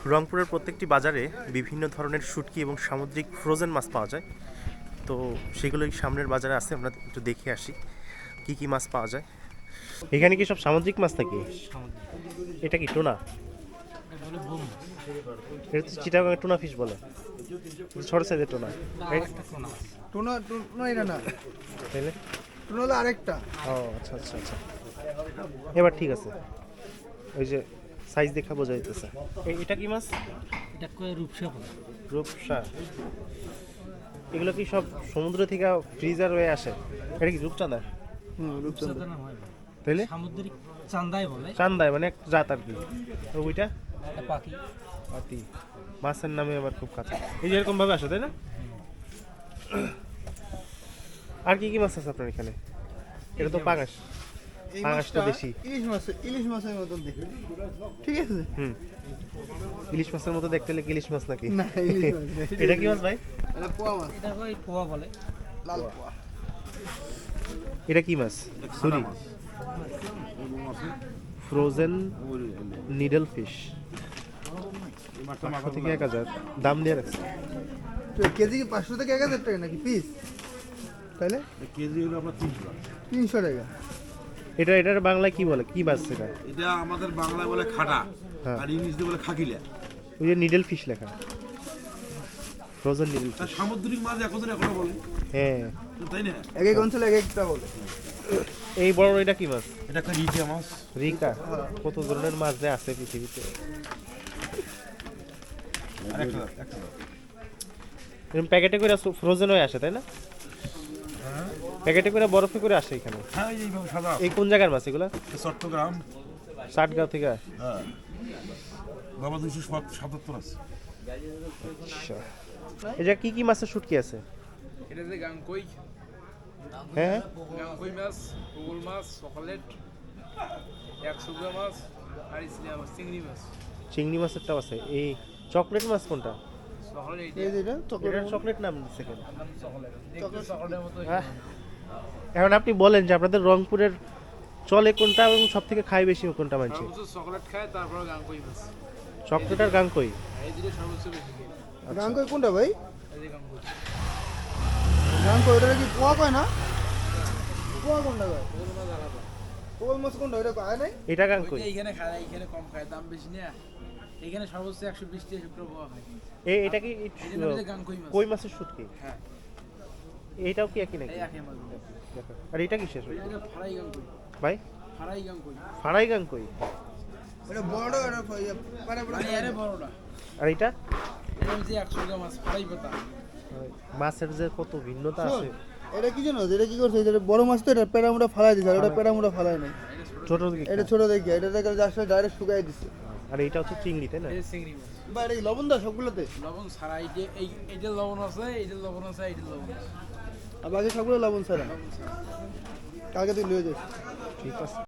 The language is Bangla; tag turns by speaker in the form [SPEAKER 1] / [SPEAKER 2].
[SPEAKER 1] রংপুরের প্রত্যেকটি বাজারে বিভিন্ন ধরনের শুটকি এবং সামুদ্রিক ফ্রোজেন মাছ পাওয়া যায়। তো সেগুলোই সামনের বাজারে আছে, আমরা একটু দেখে আসি কি কি মাছ পাওয়া যায়। এখানে কি সব সামুদ্রিক মাছ থাকে? এটা কি টোনা? এটা তো চিটাগাং টোনা ফিশ বলে, ছোট সাইজের টোনা।
[SPEAKER 2] টুনা টুনা এটা না,
[SPEAKER 1] তাইলে
[SPEAKER 2] টুনা হলো আরেকটা।
[SPEAKER 1] ও আচ্ছা আচ্ছা আচ্ছা, এবার ঠিক আছে। ওই যে সাইজ দেখা বোঝা যাইতেছে। এটা কি মাছ?
[SPEAKER 3] এটা কয় রূপসা বলে।
[SPEAKER 1] রূপসা। এগুলো কি সব সমুদ্র থেকে ফ্রিজার হয়ে আসে? এটা কি রূপচাঁদা?
[SPEAKER 2] রূপচন্দ্র।
[SPEAKER 3] রূপসাদা নাম হয় না।
[SPEAKER 1] তাইলে
[SPEAKER 3] সামুদ্রিক চান্দাই বলে।
[SPEAKER 1] চান্দায় মানে এক জাত আর কি। তো ওইটা
[SPEAKER 3] এটা পাখি।
[SPEAKER 1] পাতি মাছের নামে আবার খুব কাছে, এই যে এরকম ভাবে আসে তাই না? আর কি কি মাছ আছে আপনার এখানে? এটা তো পাঙাশ।
[SPEAKER 2] এই
[SPEAKER 1] পাঙাশ তো
[SPEAKER 2] মাছটা
[SPEAKER 1] বেশি।
[SPEAKER 2] ইলিশ মাছের মতন দেখতে, ঠিক আছে?
[SPEAKER 1] ইলিশ মাছের মতো দেখতে হলে ইলিশ মাছ নাকি?
[SPEAKER 2] না, ইলিশ মাছ না।
[SPEAKER 1] এটা কি মাছ ভাই?
[SPEAKER 2] এটা পোয়া মাছ,
[SPEAKER 3] এটা কয় পোয়া বলে।
[SPEAKER 2] লাল পোয়া।
[SPEAKER 1] এটা কি মাছ? সুরি। Frozen needle fish. 500 থেকে 1000 দাম দিয়ে রাখছে।
[SPEAKER 2] তো কেজি কি 500 থেকে 1000 টাকা নাকি পিস? তাহলে
[SPEAKER 4] কেজি হলো আপনার 300 টাকা।
[SPEAKER 2] 300 টাকা।
[SPEAKER 1] এটার বাংলায় কি বলে, কি মাছ এটা?
[SPEAKER 4] এটা আমাদের বাংলায় বলে খাটা,
[SPEAKER 1] হ্যাঁ।
[SPEAKER 4] আর ইংলিশে বলে খাকিলা।
[SPEAKER 1] ওই যে নিডল ফিশ লেখা, ফ্রোজেন নিডল
[SPEAKER 4] আর
[SPEAKER 1] ফিশ।
[SPEAKER 4] সামুদ্রিক মাছ এখনো বলে,
[SPEAKER 1] হ্যাঁ,
[SPEAKER 4] তাই না?
[SPEAKER 2] এক এক অঞ্চলে এক একটা বলে।
[SPEAKER 1] এই বড় এটা কি মাছ?
[SPEAKER 4] এটা একটা রিচা মাছ।
[SPEAKER 1] রিকা। কত ধরনের মাছ যে আছে পৃথিবীতে।
[SPEAKER 4] আর একটা
[SPEAKER 1] এরকম প্যাকেটে করে ফ্রোজেন হয়ে আসে তাই না? প্যাকেটে করে বরফে করে আসে এখানে।
[SPEAKER 4] হ্যাঁ, এই যে এইভাবে সাদা।
[SPEAKER 1] এই কোন জায়গার মাছ এগুলা?
[SPEAKER 4] চট্টগ্রাম।
[SPEAKER 1] 60 গাঁও থেকে।
[SPEAKER 4] হ্যাঁ, বাবা 277 আছে।
[SPEAKER 1] আচ্ছা, এই যে কি কি মাছের শুটকি আছে?
[SPEAKER 5] এটা যে গাংকই,
[SPEAKER 1] হ্যাঁ
[SPEAKER 5] গাংকই মাছ, পুকুর মাছ, চকলেট, 100 মাছ, আর ইসলিয়া মাছ, চিংড়ি মাছ।
[SPEAKER 1] চিংড়ি মাছেরটাও আছে। এই চকলেট মাছ কোনটা?
[SPEAKER 5] চকলেট
[SPEAKER 2] এই যে এটা চকলেট।
[SPEAKER 1] এটার চকলেট নাম দিচ্ছে কেন?
[SPEAKER 5] চকলেট দেখতে চকলেটের মতো।
[SPEAKER 1] এখন আপনি বলেন যে আপনাদের রংপুরের চলে কোনটা এবং সব থেকে খায় বেশি কোনটা মানছে?
[SPEAKER 5] সর্বোচ্চ চকলেট খায়, তারপর গাংকই মাছ।
[SPEAKER 1] চকলেট আর গাংকই।
[SPEAKER 5] এই দুটো সর্বোচ্চ বেশি খায়।
[SPEAKER 2] গাঙ্কই কোনটা ভাই?
[SPEAKER 5] এই যে গাংকই,
[SPEAKER 2] গাঙ্কই ওটা কি পোয়া কয় না? পোয়া কোনটা কয়?
[SPEAKER 5] পুকুর মাছ আলাদা।
[SPEAKER 2] পোয়া মাছ কোনটা ওটা কয় নাই?
[SPEAKER 1] এটা গাংকই।
[SPEAKER 5] ওইটা এইখানে খায়, এইখানে কম খায়, দাম বেশি না। এইখানে সর্বোচ্চ 120 টাকা পাওয়া হয়।
[SPEAKER 1] এটা কি
[SPEAKER 5] এই জন্য বলে গাংকই মাছ।
[SPEAKER 1] কই মাছের শুটকি?
[SPEAKER 5] হ্যাঁ,
[SPEAKER 1] এইটাও কি একই নাকি?
[SPEAKER 5] এই একই মাছ।
[SPEAKER 1] দেখো। আর এটা কিসের
[SPEAKER 5] এটা ফারাই গাংকই,
[SPEAKER 1] ভাই?
[SPEAKER 5] ফারাই গাংকই।
[SPEAKER 1] ফাড়াই গাংকই।
[SPEAKER 2] ওটা বড় ওটা পারে
[SPEAKER 5] মানে এর বড়টা।
[SPEAKER 1] আর এটা
[SPEAKER 5] এটা হচ্ছে 100 মাছ, ফারাই পাতা।
[SPEAKER 1] মাছের যে কত ভিন্নতা আছে।
[SPEAKER 2] এটা কি জানো? এটা কি করছে? এটা বড় মাছ তো, এটা পেরামুটা ফালাই দিছে, আর ওটা পেরামুটা ফালাই নাই।
[SPEAKER 1] ছোট দিকে।
[SPEAKER 2] এটা ছোট দেখি, এটা দেখে জাস্ট ডাইরেক্ট শুকাই দিছে।
[SPEAKER 1] আর এটা হচ্ছে চিংড়ি তাই না?
[SPEAKER 5] এই চিংড়ি মাছ।
[SPEAKER 2] বা এটা কি লবণ দা সবগুলোতে?
[SPEAKER 5] লবণ ছাড়া, এইটা লবণ আছে, এইটা লবণ আছে, এইটা লবণ আছে।
[SPEAKER 2] আর বাকি সবগুলো লবণ ছাড়া।
[SPEAKER 5] লবণ ছাড়া।
[SPEAKER 2] কালকে তুই লিয়ে যাস।
[SPEAKER 1] ঠিক আছে।